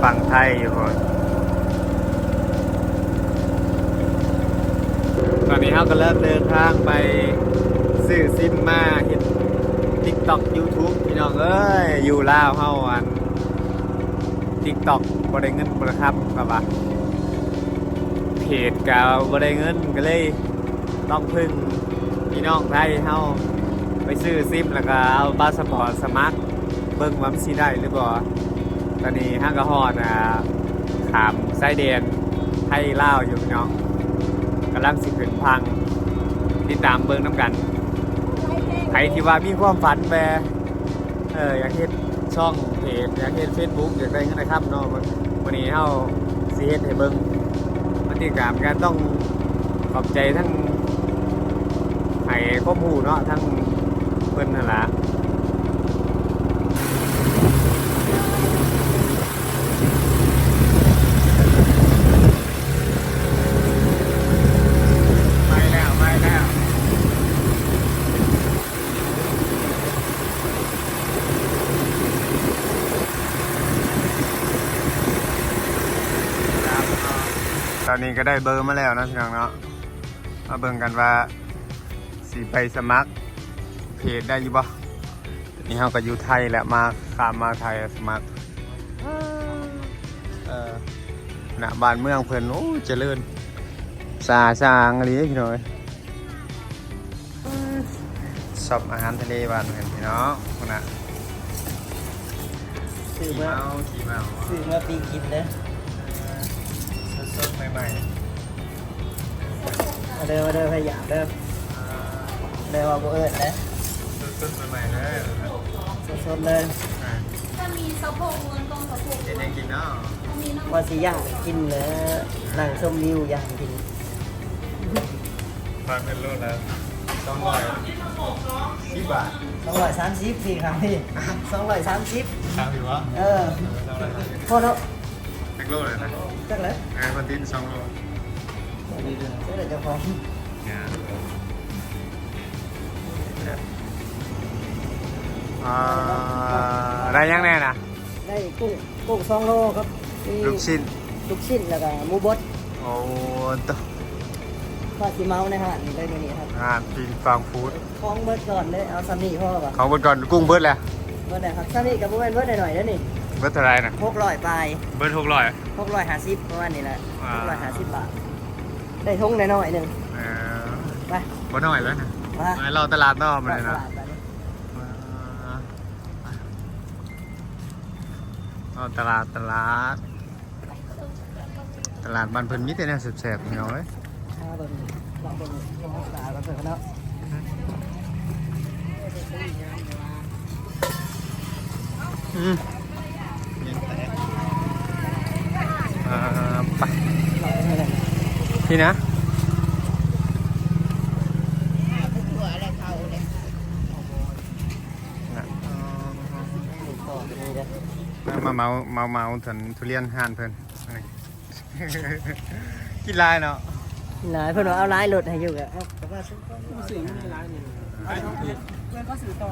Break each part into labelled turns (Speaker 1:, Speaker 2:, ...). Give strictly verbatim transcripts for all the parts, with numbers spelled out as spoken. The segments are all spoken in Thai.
Speaker 1: ฝั่งไทยอยู่คนตอนนี้เราก็เริ่มเดินทางไปซื้อซิมมาเห็น ติ๊กต็อก ยูทูบ พี่น้องเอ้ยอยู่ลาวเฮาอัน ติ๊กต็อก บ่ได้เงินบ่ได้คำครับว่าเพจก็บ่ได้เงินก็เลยต้องพึ่งพี่น้องไทยเฮาไปซื้อซิมแล้วก็เอาพาสปอร์ตสมัครเบิ่งว่ามันสิได้หรือบ่ตอนนี้ห้างกระฮอดอ่ะขามไส้แดนไทยลาวอยู่พี่น้องกำลังสิขึ้นพังติดตามเบิ่งน้ำกันใครที่ว่ามีความฝันแบเอออยากเฮ็ดช่องเพจอยากเฮ็ด Facebook อยากได้เงินนะครับเนาะวันนี้เฮาสิเฮ็ดให้เบิ่งมันติดตามกันต้องขอบใจทั้งให้ข้อมูลเนาะทั้งเพิ่นนั่นล่ะไปแล้วไปแล้วตอนนี้ก็ได้เบอร์มาแล้วนะพี่น้องเนาะมาเบิ่งกันว่าสีไปสมัครเพจได้อยู่บ่นี่เราก็อยู่ไทยแหละมาข้ามมาไทยสมัครเออหน้าบ้านเมืองเพิ่นโอ้เจริญสาสางอะไรพี่น้อยชอบอาหารทะเลบ้านเพิ่นพี่น้องคนน่ะ
Speaker 2: ซื้อ
Speaker 1: ขี่
Speaker 2: มา
Speaker 1: เมาขี่เมา
Speaker 2: ซื้อมาปีกินเด้อ
Speaker 1: สดๆใหม่
Speaker 2: มาเด้อมาเด้อพยายามเด้อเด้อว่าบ่เอิ้นนะ
Speaker 1: ๆสดๆใหม่ๆเลย
Speaker 2: สดๆเลย
Speaker 3: จะมีสะโพกเงินตรงสะโพก
Speaker 1: เด็ดๆกินเนาะ
Speaker 3: มีน้ำ
Speaker 2: ว่าสิย่างกินเด้อนั่งชมวิวย่างกิน
Speaker 1: ฟังเป็นรุ่นแล้วสองร้อยสิบบาท
Speaker 2: สองร้อยสามสิบพี่ครับพี่สองร้อยสามสิบ
Speaker 1: ครับอยู่วะ
Speaker 2: เออพอเนาะ
Speaker 1: แท็กโลเลยนะ
Speaker 2: จักเลย
Speaker 1: เออคนตินสองโล
Speaker 2: เดี๋ยวเจ้าของ
Speaker 1: เนี่ยอ่าได้ยังแน่นะ
Speaker 2: ได้กุ้งกุ้งสองโลครับมี
Speaker 1: ลูกชิ้น
Speaker 2: ลูกชิ้นแล้วก็หมูบด
Speaker 1: โอ้ตัว
Speaker 2: ข้าวสีเมาในห้างได้มื้อนี้ครับ
Speaker 1: อ่าปิงฟังฟู้ด
Speaker 2: ของเบิดก่อนเลยเอาซัมนี่พ่อป่ะ
Speaker 1: ของบนก่อนกุ้งเบิร์ดแหละ
Speaker 2: เบิดได้ครับซัมนี่กับบ่แม่นเบิดได้หน่อยเด้อนี่
Speaker 1: เบิร์ดเท่าไรนะ
Speaker 2: หกร้อยปลาย
Speaker 1: เบิร์ดหกร้อย
Speaker 2: หกร้อยห้าสิบประมาณนี้แหละ
Speaker 1: อ่า
Speaker 2: หกร้อยห้าสิบบาท ได้ทงน้อยๆหนึ่ง
Speaker 1: เออ
Speaker 2: ไป
Speaker 1: บ่น้อยแล้วนะ
Speaker 2: มา
Speaker 1: ไปเราตลาดนอกมาเลย
Speaker 2: ต
Speaker 1: นะ
Speaker 2: ลาดไปนี่
Speaker 1: เอาตลาดตลาดตลาดบ้านเพิ่นมีแต่แนวแซ่บๆพี่น้องเอ้ย
Speaker 2: มาเบิ่งลองเบิ่งลองตลาดกันเถอะเนาะ
Speaker 1: อืมอ่าไป
Speaker 2: ลองให้ได้
Speaker 1: พี่นะ
Speaker 2: ต่อไปนี่เด้อ
Speaker 1: มาเมาเมาเมาถึงทุเรียนห่านเพิ่น กินลายเนาะ
Speaker 2: หลายเพิ่นว่าเอาหลายรถให้อยู่ก็เอาแต่ว่าซื้อก็ซื้อมีหลายนี่เพิ่นก็ซื้อต่อ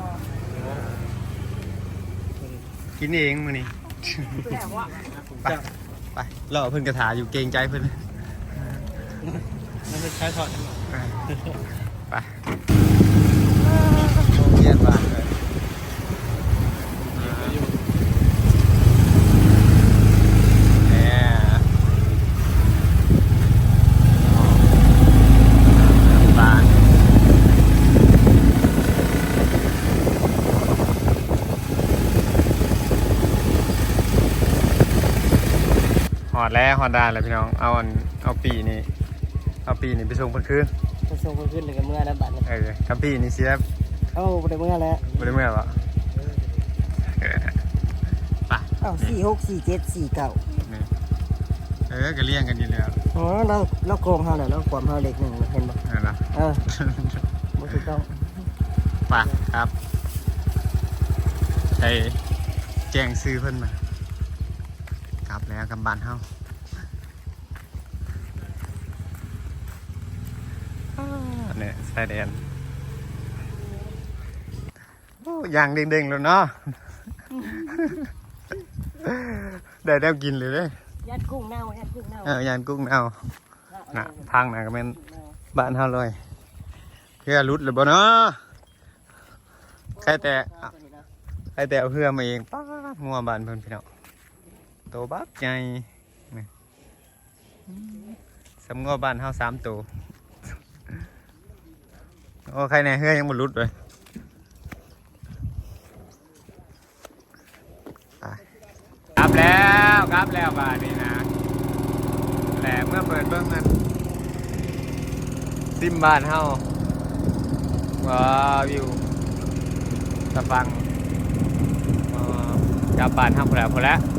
Speaker 1: กินเองมื้อนี้ ไปไปรอเพิ่นกระถาอยู่เกรงใจเพิ่น
Speaker 2: มันไม่ใช้ถอด
Speaker 1: ไปโรงเรียนบ้านเลยเนี่ยบ้านหอดแล้วหอดได้แล้วพี่น้องเอาอันเอาปีนี้เอาปีนี้ไปส่งเพิ่นคืน
Speaker 2: ไปส่งเพิ่นขึ้นเลยกับเมื่อแล้วบัดนี้
Speaker 1: เออกับปีนี้เสีย
Speaker 2: เอ้าบ่ได้เมื่อแล้ว
Speaker 1: บ่ได้เมื่อวะเออไป
Speaker 2: เอ้าสี่หกสี่เจ็ดสี่เก้า
Speaker 1: นี่เออก็เลี้ยงกันอยู่แล้ว
Speaker 2: อ๋อเราเราโกงเฮาแล้วเราความเฮาเล็กหนึ่งเห็นบ่
Speaker 1: นั่นล่ะ
Speaker 2: เออบ่ถูกต้อง
Speaker 1: ไปครับไปแจ้งซื้อเพิ่นมา กลับแล้วกำบ้านเฮาอ่าเนี่ยชายแดนโอ้ยางเด้งๆแล้วเนาะได้แนวกินเลยเด้
Speaker 2: ยัดกุ้งเน่ายัดกุ้งเน่า
Speaker 1: เออยานกุ้งเอาน่ะทางน่ะก็เป็นบ้านเฮาเลยเพื่อรุดเลยบ่เนาะใครแต่ใครแต่เอาเพื่อมาเองป้าดงัวบ้านเพิ่นพี่น้องโตบักใหญ่นี่สำงัวบ้านเฮาสามตัวโอ้ใครแน่เฮือยังบ่รุดเลยไปกลับแล้วกลับแล้วบ้านนี้นะแหละเมื่อเปิดเบิ่งนั้นซิมบ้านเฮาว้าววิวตะฟัง กลับบ้านทำพอแล้วพอแล้ว